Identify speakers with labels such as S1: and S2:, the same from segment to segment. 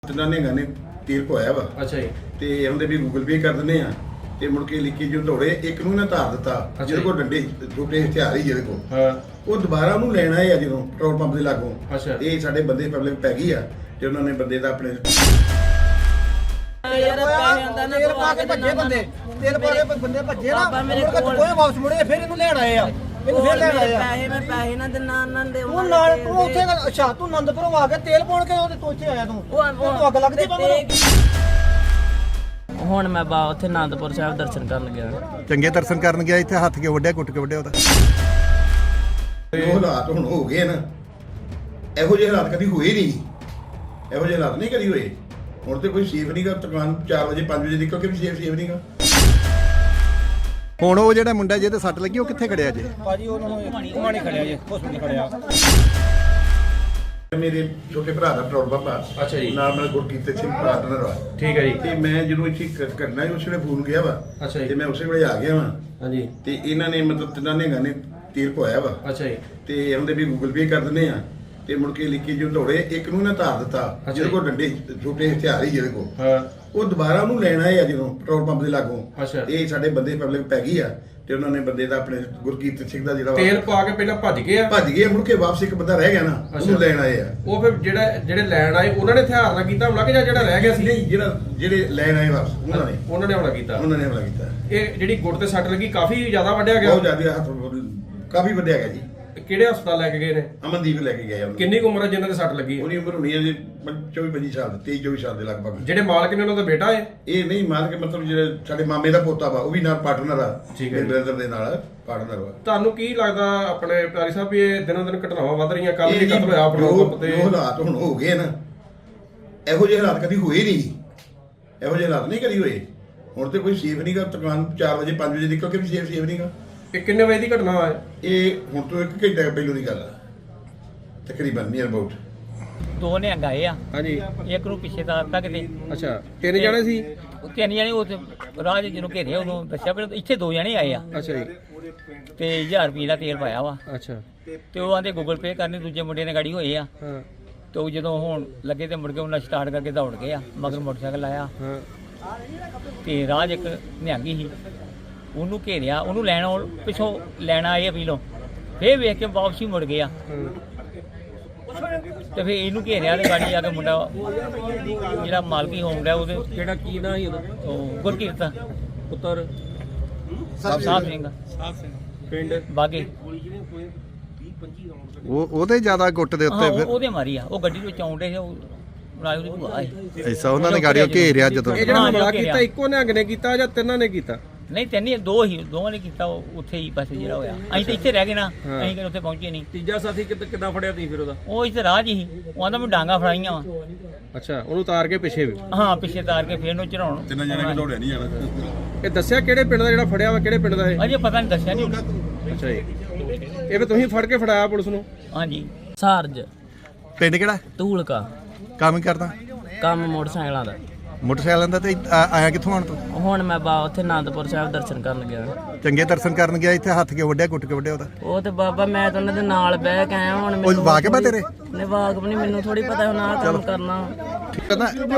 S1: ਤਿੰਨਾਂ ਨੇ ਗਾਣੇ ਤੀਰ ਪਵਾਇਆ ਵਾ।
S2: ਅੱਛਾ ਜੀ।
S1: ਤੇ ਉਹਦੇ ਵੀ ਗੂਗਲ ਪੇ ਕਰ ਦਿੰਦੇ ਆ ਤੇ ਮੁੜ ਕੇ ਲਿਖੀ ਜੋ ਦੌੜੇ ਇੱਕ ਨੂੰ ਨਾ ਧਾਰ ਦਿੱਤਾ ਜਿਹਦੇ ਕੋਲ ਡੰਡੇ ਛੋਟੇ ਹਥਿਆਰ ਹੀ ਜਿਹਦੇ ਕੋਲ
S2: ਹਾਂ
S1: ਉਹ ਦੁਬਾਰਾ ਉਹਨੂੰ ਲੈਣਾ ਹੈ ਜਦੋਂ ਪੈਟਰੋਲ ਪੰਪ ਦੇ ਲਾਗੋਂ।
S2: ਅੱਛਾ।
S1: ਇਹ ਸਾਡੇ ਬੰਦੇ ਪਬਲਿਕ ਪੈ ਗਈ ਆ ਤੇ ਉਹਨਾਂ ਨੇ ਬੰਦੇ ਦਾ ਆਪਣੇ
S3: ਯਾਰ ਪੈਸੇ ਆਂਦਾ ਨਾ
S4: ਤੇਲ ਪਾ ਕੇ ਭੱਜੇ ਬੰਦੇ, ਤੇਲ ਪਾ ਕੇ ਬੰਦੇ ਭੱਜੇ ਨਾ, ਮੇਰੇ ਕੋਲ ਕੋਈ ਵਾਪਸ ਮੁੜੇ ਫਿਰ ਇਹਨੂੰ ਲੈਣ ਆਏ ਆ, ਇਹਨੂੰ ਫਿਰ ਲੈਣ ਆਏ ਆ।
S3: ਮੈਂ ਪੈਸੇ ਨਾ ਦਿਨਾ ਉਹਨਾਂ ਦੇ
S4: ਤੂੰ ਨਾਲ ਤੂੰ ਉੱਥੇ ਅੱਛਾ ਤੂੰ ਆਨੰਦਪੁਰੋਂ ਆ ਕੇ ਤੇਲ ਪਾਉਣ ਕੇ ਉਹਦੇ ਤੋਂ ਇੱਥੇ ਆਇਆ ਤੂੰ ਅੱਗ ਲੱਗਦੀ ਪਾ
S3: ਹੁਣ ਮੈਂ ਬਾ ਉੱਥੇ ਆਨੰਦਪੁਰ ਸਾਹਿਬ ਦਰਸ਼ਨ ਕਰਨ ਗਿਆ।
S5: ਚੰਗੇ ਦਰਸ਼ਨ ਕਰਨ ਗਿਆ, ਇੱਥੇ ਹੱਥ ਕੇ ਵੱਢਿਆ ਕੁੱਟ ਕੇ ਵੱਢਿਆ ਉਹਦਾ।
S1: ਉਹ ਹਾਲਾਤ ਹੁਣ ਹੋ ਗਏ ਨਾ, ਇਹੋ ਜਿਹੇ ਹਾਲਾਤ ਕਦੀ ਹੋਏ ਨਹੀਂ, ਇਹੋ ਜਿਹੇ ਹਾਲਾਤ ਨਹੀਂ ਕਦੀ ਹੋਏ। ਹੁਣ ਤੇ ਕੋਈ ਸੇਫ ਨਹੀਂਗਾ, ਦੁਕਾਨ 4 ਵਜੇ 5 ਵਜੇ ਨਿਕਲ ਕੇ ਵੀ ਸੇਫ ਨਹੀਂਗਾ।
S5: ਹੁਣ ਉਹ ਜਿਹੜਾ ਮੁੰਡਾ ਜਿਹਦੇ ਸੱਟ ਲੱਗੀ ਉਹ ਕਿੱਥੇ ਖੜਿਆ ਜੇ?
S4: ਭਾਜੀ ਉਹਨਾਂ ਨੂੰ ਉਹ ਨਹੀਂ ਖੜਿਆ ਜੇ, ਹਸਪੀਟਲ ਖੜਿਆ।
S1: ਮੇਰੇ ਛੋਟੇ ਭਰਾ ਦਾ ਪੈਟਰੋਲ ਪੰਪ ਆ।
S2: ਅੱਛਾ ਜੀ।
S1: ਨਾਲ ਮੇਰਾ ਗੁਰਕੀਰਤ ਸਿੰਘ ਪਾਰਟਨਰ ਵਾ।
S2: ਠੀਕ ਹੈ ਜੀ।
S1: ਤੇ ਮੈਂ ਜਦੋਂ ਇੱਥੇ ਕਰਨਾ ਸੀ ਉਸ ਵੇਲੇ ਫੋਨ ਗਿਆ ਵਾ।
S2: ਅੱਛਾ ਜੀ।
S1: ਤੇ ਮੈਂ ਉਸੇ ਵੇਲੇ ਆ ਗਿਆ ਵਾ।
S2: ਹਾਂਜੀ।
S1: ਤੇ ਇਹਨਾਂ ਨੇ ਮਤਲਬ ਤਿੰਨਾਂ ਨੇ ਗਾਣੇ ਤੀਰ ਪਵਾਇਆ ਵਾ।
S2: ਅੱਛਾ ਜੀ।
S1: ਤੇ ਉਹਦੇ ਵੀ ਗੂਗਲ ਪੇ ਕਰ ਦਿੰਦੇ ਆ ਤੇ ਮੁੜ ਕੇ ਲਿਖੀ ਜੋ ਦੌੜੇ ਇੱਕ ਨੂੰ ਨਾ ਧਾਰ ਦਿੱਤਾ ਜਿਹਦੇ ਕੋਲ ਡੰਡੇ ਛੋਟੇ ਹਥਿਆਰ ਹੀ ਜਿਹਦੇ ਕੋਲ
S2: ਹਾਂ
S1: ਉਹ ਦੁਬਾਰਾ ਉਹਨੂੰ ਲੈਣਾ ਹੈ ਜਦੋਂ ਪੈਟਰੋਲ ਪੰਪ ਦੇ ਲਾਗੋਂ।
S2: ਅੱਛਾ।
S1: ਇਹ ਸਾਡੇ ਬੰਦੇ ਪਬਲਿਕ ਪੈ ਗਈ ਆ ਤੇ ਉਹਨਾਂ ਨੇ ਬੰਦੇ ਦਾ ਆਪਣੇ ਗੁਰਕੀਰਤ ਸਿੰਘ ਦਾ ਜਿਹੜਾ
S2: ਤੇਲ ਪਾ ਕੇ ਪਹਿਲਾਂ ਭੱਜ ਗਏ ਆ।
S1: ਭੱਜ ਗਏ, ਮੁੜ ਕੇ ਵਾਪਸ ਇੱਕ ਬੰਦਾ ਰਹਿ ਗਿਆ ਨਾ, ਉਹਨੂੰ ਲੈਣ ਆਏ ਆ।
S2: ਉਹ ਫਿਰ ਜਿਹੜੇ ਲੈਣ ਆਏ ਉਹਨਾਂ ਨੇ ਹਥਿਆਰ ਨਾਲ ਕੀਤਾ ਹਮਲਾ ਕਿ ਜਾਂ ਜਿਹੜਾ ਰਹਿ ਗਿਆ ਸੀ?
S1: ਨਹੀਂ, ਜਿਹੜੇ ਲੈਣ ਆਏ ਵਾਪਸ
S2: ਉਹਨਾਂ ਨੇ ਹਮਲਾ ਕੀਤਾ।
S1: ਉਹਨਾਂ ਨੇ ਹਮਲਾ ਕੀਤਾ।
S2: ਇਹ ਜਿਹੜੀ ਗੁੱਟ ਤੇ ਸੱਟ ਲੱਗੀ ਕਾਫੀ ਜ਼ਿਆਦਾ ਵੱਢਿਆ ਗਿਆ।
S1: ਬਹੁਤ ਜ਼ਿਆਦਾ ਹੱਥ ਕਾਫੀ ਵੱਡਿਆ ਗਿਆ ਜੀ।
S2: ਕਿਹੜੇ ਹਸਪਤਾਲ ਲੈ ਕੇ ਗਏ ਨੇ?
S1: ਅਮਨਦੀਪ ਲੈ ਕੇ ਗਏ ਉਹਨੂੰ।
S2: ਕਿੰਨੀ ਕੁ ਉਮਰ ਹੈ ਜਿਨ੍ਹਾਂ ਦੇ ਸੱਟ ਲੱਗੀ ਹੈ?
S1: ਉਹਦੀ ਉਮਰ ਹੋਣੀ ਹੈ ਜੀ 24-25 ਸਾਲ, 23-24 ਸਾਲ ਦੇ ਲਗਭਗ।
S2: ਜਿਹੜੇ ਮਾਲਕ ਨੇ ਉਹਨਾਂ ਦਾ ਬੇਟਾ ਹੈ?
S1: ਇਹ ਨਹੀਂ ਮਾਲਕ, ਮਤਲਬ ਜਿਹੜੇ ਸਾਡੇ ਮਾਮੇ ਦਾ ਪੋਤਾ ਵਾ, ਉਹ ਵੀ ਨਾਲ ਪਾਰਟਨਰ ਆ।
S2: ਠੀਕ ਹੈ।
S1: ਬ੍ਰਦਰ ਦੇ ਨਾਲ ਪਾਰਟਨਰ ਵਾ। ਤੁਹਾਨੂੰ
S2: ਤੁਹਾਨੂੰ ਕੀ ਲੱਗਦਾ ਆਪਣੇ ਪਿਆਰੀ ਸਾਹਿਬ ਵੀ ਇਹ ਦਿਨੋਂ ਦਿਨ ਘਟਨਾਵਾਂ ਵੱਧ ਰਹੀਆਂ? ਕੱਲ ਵੀ ਕਤਲ ਹੋਇਆ ਪੈਟਰੋਲ ਪੰਪ ਤੇ।
S1: ਜੋ ਹਾਲਾਤ ਹੁਣ ਹੋ ਗਏ ਨਾ, ਇਹੋ ਜਿਹੇ ਹਾਲਾਤ ਕਦੀ ਹੋਏ ਨਹੀਂ, ਇਹੋ ਜਿਹੇ ਹਾਲਾਤ ਨਹੀਂ ਕਦੀ ਹੋਏ। ਹੁਣ ਤੇ ਕੋਈ ਸੇਫ ਨਹੀਂਗਾ, ਦੁਕਾਨ 4 ਵਜੇ 5 ਵਜੇ ਨਿਕਲ ਕੇ ਵੀ ਸੇਫ ਨਹੀਂਗਾ।
S2: ਇਹ ਕਿੰਨੇ ਵਜੇ ਦੀ ਘਟਨਾ ਹੈ?
S1: ਇਹ ਹੁਣ ਤੋਂ 1 ਘੰਟੇ ਪਹਿਲੋਂ ਦੀ ਗੱਲ ਆ ਤਕਰੀਬਨ, ਨੀਅਰ ਅਬਾਊਟ।
S4: ਦੋ ਨੇ ਅੰਗਾਏ ਆ,
S2: ਹਾਂਜੀ।
S4: ਇੱਕ ਨੂੰ ਪਿੱਛੇ ਤਾਰ ਤੱਕ ਦੇ
S2: ਅੱਛਾ, ਤਿੰਨ ਜਣੇ ਸੀ?
S4: ਤਿੰਨ ਜਣੇ ਉਹ ਰਾਜ ਜਿਹਨੂੰ ਘੇਰੇ ਉਦੋਂ ਦੱਸਿਆ ਪਰ ਇੱਥੇ ਦੋ ਜਣੇ ਆਏ ਆ
S2: ਅੱਛਾ ਜੀ।
S4: ਤੇ 1000 ਰੁਪਏ ਦਾ ਤੇਲ ਪਾਇਆ ਵਾ।
S2: ਅੱਛਾ।
S4: ਤੇ ਉਹ ਆਂਦੇ ਗੂਗਲ ਪੇ ਕਰਨੀ, ਦੂਜੇ ਮੁੰਡੇ ਨੇ ਗਾੜੀ ਹੋਏ ਆ।
S2: ਹਾਂ
S4: ਤੇ ਉਹ ਜਦੋਂ ਹੁਣ ਲੱਗੇ ਤੇ ਮੁੜ ਕੇ ਉਹਨਾਂ ਸਟਾਰਟ ਕਰਕੇ ਦੌੜ ਗਏ ਆ, ਮਗਰ ਮੋਟਰਸਾਈਕਲ ਆਇਆ
S2: ਹਾਂ।
S4: ਤੇ ਰਾਜ ਇੱਕ ਨਿਹੰਗੀ ਸੀ, ਉਹਨੂੰ ਘੇਰਿਆ, ਉਹਨੂੰ ਲੈਣ ਪਿੱਛੋਂ ਲੈਣ ਆਏ ਅਪੀਲੋਂ, ਫੇਰ ਵੇਖ ਕੇ ਵਾਪਸੀ ਮੁੜ ਗਿਆ। ਤੇ ਫੇਰ ਇਹਨੂੰ ਘੇਰਿਆ ਤੇ ਗਾੜੀ ਆ ਕੇ ਮੁੰਡਾ ਜਿਹੜਾ ਮਾਲਕੀ ਹੋਮ ਦਾ ਉਹਦੇ
S2: ਕਿਹੜਾ ਕੀ ਨਾਂ ਸੀ ਉਹਦਾ?
S4: ਉਹ ਗੁਰਕੀਰਤ
S2: ਪੁੱਤਰ
S4: ਸਾਹਿਬ ਸਿੰਘ
S2: ਪਿੰਡ
S4: ਬਾਗੇ।
S5: ਉਹਦੇ ਜ਼ਿਆਦਾ ਗੁੱਟ ਦੇ ਉੱਤੇ ਫਿਰ
S4: ਉਹਦੇ ਮਾਰੀ ਆ, ਉਹ ਗੱਡੀ ਵਿੱਚ ਆਉਂਦੇ ਸੀ, ਉਹ ਨਾਲ ਉਹਦੀ ਭੂਆ ਆਈ।
S5: ਐਸਾ ਉਹਨਾਂ ਨੇ ਗਾੜੀਆਂ ਘੇਰਿਆ ਜਦੋਂ।
S2: ਇਹ ਜਿਹੜਾ
S4: ਹਾਂ,
S2: ਹਮਲਾ
S4: ਘੇਰਿਆ।
S2: ਕੀਤਾ ਇੱਕੋ ਨਿਹੰਗ ਨੇ ਕੀਤਾ ਜਾਂ ਤਿੰਨਾਂ ਨੇ ਕੀਤਾ?
S4: ਨਹੀਂ ਤਿੰਨ ਦੋ ਹੀ, ਦੋਵਾਂ ਨੇ ਕੀਤਾ। ਉਹ ਉੱਥੇ ਹੀ ਬਸ ਜਿਹੜਾ ਹੋਇਆ, ਅਸੀਂ ਤਾਂ ਇੱਥੇ ਰਹਿ ਗਏ ਨਾ,
S2: ਹਾਂ।
S4: ਅਸੀਂ ਕਿ ਉੱਥੇ ਪਹੁੰਚੇ ਨਹੀਂ।
S2: ਤੀਜਾ ਸਾਥੀ ਕਿੱਦਾਂ ਫੜਿਆ ਤੁਸੀਂ ਫਿਰ ਉਹਦਾ?
S4: ਉਹ ਇੱਥੇ ਰਾਹ 'ਚ ਹੀ, ਉਹ ਆਂਦਾ ਮੈਂ ਡਾਂਗਾ ਫੜਾਈਆਂ ਵਾ।
S2: ਅੱਛਾ, ਉਹਨੂੰ ਉਤਾਰ ਕੇ ਪਿੱਛੇ ਵੀ?
S4: ਹਾਂ, ਪਿੱਛੇ ਤਾਰ ਕੇ ਫੇਰ ਨੂੰ ਚੜਾਉਣ।
S1: ਤਿੰਨਾਂ ਜਣੇ ਕਿ ਦੌੜਿਆ ਨਹੀਂ ਜਾਣਾ।
S2: ਇਹ ਦੱਸਿਆ ਕਿਹੜੇ ਪਿੰਡ ਦਾ ਜਿਹੜਾ ਫੜਿਆ ਵਾ? ਕਿਹੜੇ ਪਿੰਡ ਦਾ ਇਹ?
S4: ਅਜੇ ਪਤਾ ਨਹੀਂ, ਦੱਸਿਆ ਨਹੀਂ।
S2: ਅੱਛਾ ਜੀ। ਇਹ ਵੀ ਤੁਸੀਂ ਫੜ ਕੇ ਫੜਾਇਆ ਪੁਲਿਸ ਨੂੰ?
S4: ਹਾਂਜੀ। ਸਾਰਜ
S5: ਪਿੰਡ ਕਿਹੜਾ?
S4: ਧੂਲਕਾ।
S5: ਕੰਮ ਹੀ ਕਰਦਾ?
S4: ਕੰਮ ਮੋਟਰਸਾਈਕਲਾਂ ਦਾ।
S5: ਮੋਟਰਸਾਈਕਲਾਂ ਦਾ। ਤੇ ਆਇਆ ਕਿੱਥੋਂ ਆਣ ਤੂੰ?
S4: ਹੁਣ ਮੈਂ ਬਾ ਉੱਥੇ ਆਨੰਦਪੁਰ ਸਾਹਿਬ ਦਰਸ਼ਨ ਕਰਨ ਗਿਆ।
S5: ਚੰਗੇ ਦਰਸ਼ਨ ਕਰਨ ਗਿਆ, ਇੱਥੇ ਹੱਥ ਕੇ ਵੱਢਿਆ ਕੁੱਟ ਕੇ ਵੱਢਿਆ ਉਹਦਾ।
S4: ਉਹ ਤੇ ਬਾਬਾ ਮੈਂ ਤਾਂ ਉਹਨਾਂ ਦੇ ਨਾਲ ਬਹਿ ਕੇ ਆਇਆ। ਹੁਣ
S5: ਉਹ ਵਾਕਿਬ ਆ ਤੇਰੇ?
S4: ਨੇ ਵਾਕਬ ਨਹੀਂ, ਮੈਨੂੰ ਥੋੜੀ ਪਤਾ ਹੁਣ ਆਹ ਕੰਮ ਕਰਨਾ।
S5: ਠੀਕ ਹੈ ਨਾ?
S4: ਮੈਂ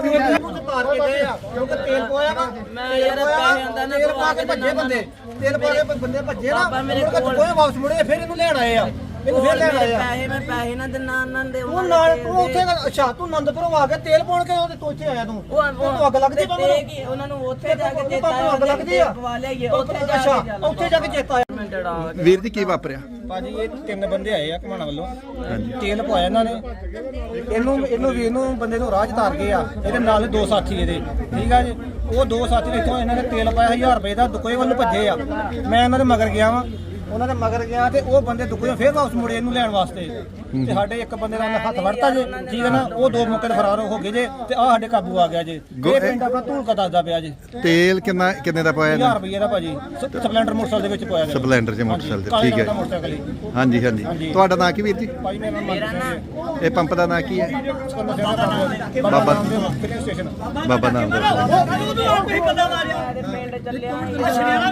S4: ਯਾਰ ਪੈਸੇ ਆਂਦਾ ਨਾ ਤੇਲ ਪਾ ਕੇ ਭੱਜੇ ਬੰਦੇ, ਤੇਲ ਪਾ ਕੇ ਬੰਦੇ ਭੱਜੇ ਨਾ, ਮੇਰੇ ਕੋਲ ਕੋਈ ਵਾਪਸ ਮੁੜੇ ਫਿਰ ਇਹਨੂੰ ਲੈਣ ਆਏ ਆ, ਇਹਨੂੰ ਫਿਰ ਲੈਣ ਆਏ ਆ।
S3: ਮੈਂ ਪੈਸੇ ਨਾ ਦਿਨਾ ਉਹਨਾਂ ਦੇ
S4: ਤੂੰ ਨਾਲ ਤੂੰ ਉੱਥੇ ਅੱਛਾ ਤੂੰ ਆਨੰਦਪੁਰੋਂ ਆ ਕੇ ਤੇਲ ਪਾਉਣ ਕੇ ਉਹਦੇ ਤੋਂ ਇੱਥੇ ਆਇਆ ਤੂੰ ਅੱਗ ਲੱਗਦੀ ਪਾ ਮੈਨੂੰ?
S3: ਉਹਨਾਂ ਨੂੰ ਉੱਥੇ ਜਾ ਕੇ ਚੇਤਾ
S4: ਅੱਗ ਲੱਗਦੀ ਆ।
S3: ਪਵਾ ਲਿਆਈਏ ਉੱਥੇ ਜਾ
S4: ਅੱਛਾ,
S3: ਕੇ
S4: ਉੱਥੇ ਜਾ ਕੇ ਚੇਤਾ ਆਇਆ।
S5: ਵੀਰ ਜੀ ਕੀ ਵਾਪਰਿਆ?
S4: ਭਾਜੀ ਇਹ ਤਿੰਨ ਬੰਦੇ ਆਏ ਆ ਘਮਾਣਾ ਵੱਲੋਂ, ਤੇਲ ਪਵਾਇਆ ਇਹਨਾਂ ਨੇ। ਇਹਨੂੰ ਬੰਦੇ ਨੂੰ ਰਾਹ 'ਚ ਤਾਰ ਗਏ ਆ, ਇਹਦੇ ਨਾਲ ਦੋ ਸਾਥੀ ਇਹਦੇ, ਠੀਕ ਆ ਜੀ। ਉਹ ਦੋ ਸਾਥੀ ਨੇ ਇੱਥੋਂ ਇਹਨਾਂ ਨੇ ਤੇਲ ਪਾਇਆ 1000 ਰੁਪਏ ਦਾ, ਦੁਕੋਏ ਵੱਲ ਭੱਜੇ ਆ। ਮੈਂ ਇਹਨਾਂ ਦੇ ਮਗਰ ਗਿਆ ਵਾਂ, ਉਹਨਾਂ ਦੇ ਮਗਰ ਗਿਆ ਤੇ ਉਹ ਬੰਦੇ ਦੁਕੋਏ ਫੇਰ ਵਾਪਸ ਮੁੜੇ ਇਹਨੂੰ ਲੈਣ ਵਾਸਤੇ। ਤੇ ਸਾਡੇ ਇੱਕ ਬੰਦੇ ਦਾ ਹੱਥ ਵੜਤਾ ਜੇ, ਠੀਕ ਹੈ ਨਾ, ਉਹ ਦੋ ਮੌਕੇ ਤੇ ਫਰਾਰ ਹੋ ਗਏ ਜੇ। ਤੇ ਆ ਸਾਡੇ ਕਾਬੂ ਆ ਗਿਆ ਜੇ। ਇਹ ਪਿੰਡ ਆਪਣਾ ਧੂਲਕਾ ਦੱਸਦਾ ਪਿਆ ਜੇ।
S5: ਤੇਲ ਕਿੰਨੇ ਦਾ ਪਾਇਆ
S4: 1000 ਰੁਪਏ ਦਾ ਭਾਜੀ, ਸਪਲੈਂਡਰ ਮੋਟਰਸਾਈਕਲ ਦੇ ਵਿੱਚ ਪਾਇਆ ਗਿਆ।
S5: ਸਪਲੈਂਡਰ 'ਚ ਮੋਟਰਸਾਈਕਲ ਤੇ,
S4: ਕਾਲੇ
S5: ਠੀਕ
S4: ਰੰਗ ਦਾ
S5: ਹੈ।
S4: ਮੋਟਰਸਾਈਕਲ ਹੀ।
S5: ਹਾਂਜੀ ਹਾਂਜੀ। ਤੁਹਾਡਾ ਨਾਂ ਕੀ ਵੀਰ ਜੀ?
S4: ਭਾਈ ਮੇਰਾ ਨਾਮ
S5: ਇਹ ਪੰਪ ਦਾ ਨਾਂ ਕੀ ਹੈ?
S4: ਬਾਬਾ
S5: ਬਾਬਾ
S4: ਸਟੇਸ਼ਨ।
S5: ਬਾਬਾ ਨਾਮ ਦਾ।
S3: ਪਿੰਡ ਚੱਲਿਆ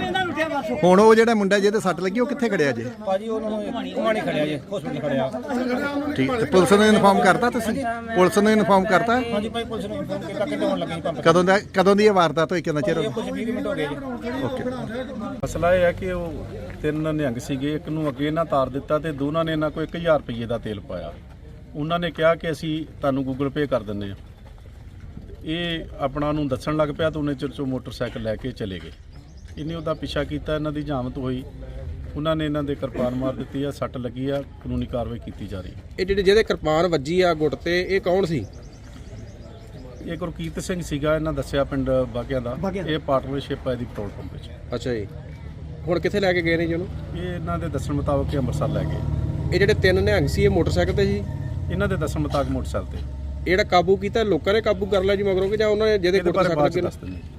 S5: ਹੁਣ ਉਹ ਜਿਹੜਾ ਮੁੰਡਾ ਜਿਹਦੇ ਸੱਟ ਲੱਗੀ ਉਹ ਕਿੱਥੇ ਖੜਿਆ ਜੇ?
S4: ਭਾਜੀ ਉਹਨਾਂ ਨੂੰ ਘੁਮਾਣੀ ਖੜਿਆ ਜੇ, ਹਸਪੀਟਲ ਖੜਿਆ।
S5: ਠੀਕ ਤੇ ਪੁਲਿਸ ਨੂੰ ਇਨਫਾਰਮ ਕਰਤਾ ਤੁਸੀਂ ਪੁਲਿਸ ਨੂੰ ਇਨਫਾਰਮ ਕਰਤਾ
S4: ਹਾਂਜੀ ਭਾਈ ਪੁਲਿਸ ਨੂੰ ਫੋਨ ਕੀਤਾ ਕਿ ਆਉਣ ਲੱਗੇ ਜੀ ਪੰਪ
S5: ਕਦੋਂ ਦੀ ਇਹ ਵਾਰਦਾਤ ਹੋਈ ਕਿੰਨਾ ਚਿਰ ਹੋ
S4: ਕੁਝ 20 ਮਿੰਟ ਹੋ ਗਏ ਜੀ
S6: ਮਸਲਾ ਇਹ ਹੈ ਕਿ ਉਹ 3 ਨਿਹੰਗ ਸੀਗੇ, ਇੱਕ ਨੂੰ ਅੱਗੇ ਨਾ ਤਾਰ ਦਿੱਤਾ ਤੇ ਦੋਨਾਂ ਨੇ ਇਹਨਾਂ ਕੋਲ 1000 ਰੁਪਏ ਦਾ ਤੇਲ ਪਾਇਆ। ਉਹਨਾਂ ਨੇ ਕਿਹਾ ਕਿ ਅਸੀਂ ਤੁਹਾਨੂੰ ਗੂਗਲ ਪੇ ਕਰ ਦਿੰਦੇ ਹਾਂ। ਇਹ ਆਪਣਾ ਨੂੰ ਦੱਸਣ ਲੱਗ ਪਿਆ ਤਾਂ ਉਹਨੇ ਚਿਰ 'ਚੋਂ ਮੋਟਰਸਾਈਕਲ ਲੈ ਕੇ ਚਲੇ ਗਏ। ਇਹਨੇ ਉਹਦਾ ਪਿੱਛਾ ਕੀਤਾ, ਇਹਨਾਂ ਦੀ ਜਾਮਤ ਹੋਈ, ਉਹਨਾਂ ਨੇ ਇਹਨਾਂ ਦੇ ਕਿਰਪਾਨ ਮਾਰ ਦਿੱਤੀ ਆ, ਸੱਟ ਲੱਗੀ ਆ, ਕਾਨੂੰਨੀ ਕਾਰਵਾਈ ਕੀਤੀ ਜਾ ਰਹੀ ਹੈ।
S2: ਇਹ ਜਿਹਦੇ ਕਿਰਪਾਨ ਵੱਜੀ ਆ ਗੁੱਟ ਤੇ, ਇਹ ਕੌਣ ਸੀ?
S6: ਇਹ ਗੁਰਕੀਰਤ ਸਿੰਘ ਸੀਗਾ, ਇਹਨਾਂ ਦੱਸਿਆ ਪਿੰਡ ਬਾਗਿਆਂ ਦਾ। ਇਹ ਪਾਰਟਨਰਸ਼ਿਪ ਹੈ ਦੀ ਪੈਟਰੋਲ ਪੰਪ ਵਿੱਚ।
S2: ਅੱਛਾ ਜੀ, ਹੁਣ ਕਿੱਥੇ ਲੈ ਕੇ ਗਏ ਨੇ ਜੀ ਉਹਨੂੰ?
S6: ਇਹ ਇਹਨਾਂ ਦੇ ਦੱਸਣ ਮੁਤਾਬਕ ਇਹ ਅੰਮ੍ਰਿਤਸਰ ਲੈ ਗਏ।
S2: ਇਹ ਜਿਹੜੇ 3 ਨਿਹੰਗ ਸੀ, ਇਹ ਮੋਟਰਸਾਈਕਲ ਤੇ ਸੀ?
S6: ਇਹਨਾਂ ਦੇ ਦੱਸਣ ਮੁਤਾਬਕ ਮੋਟਰਸਾਈਕਲ ਤੇ।
S2: ਇਹ ਜਿਹੜਾ ਕਾਬੂ ਕੀਤਾ, ਲੋਕਾਂ ਨੇ ਕਾਬੂ ਕਰ ਲਿਆ ਜੀ ਮਗਰੋਂ ਕਿ ਜਾਂ ਉਹਨਾਂ ਨੇ ਜਿਹਦੇ
S6: ਇਹਦੇ ਬਾਰੇ
S2: ਮੋਟਰਸਾਈਕਲ
S6: ਬਾਅਦ 'ਚ
S2: ਲੱਗੇ
S6: ਦੱਸ ਦਿੰਦੇ।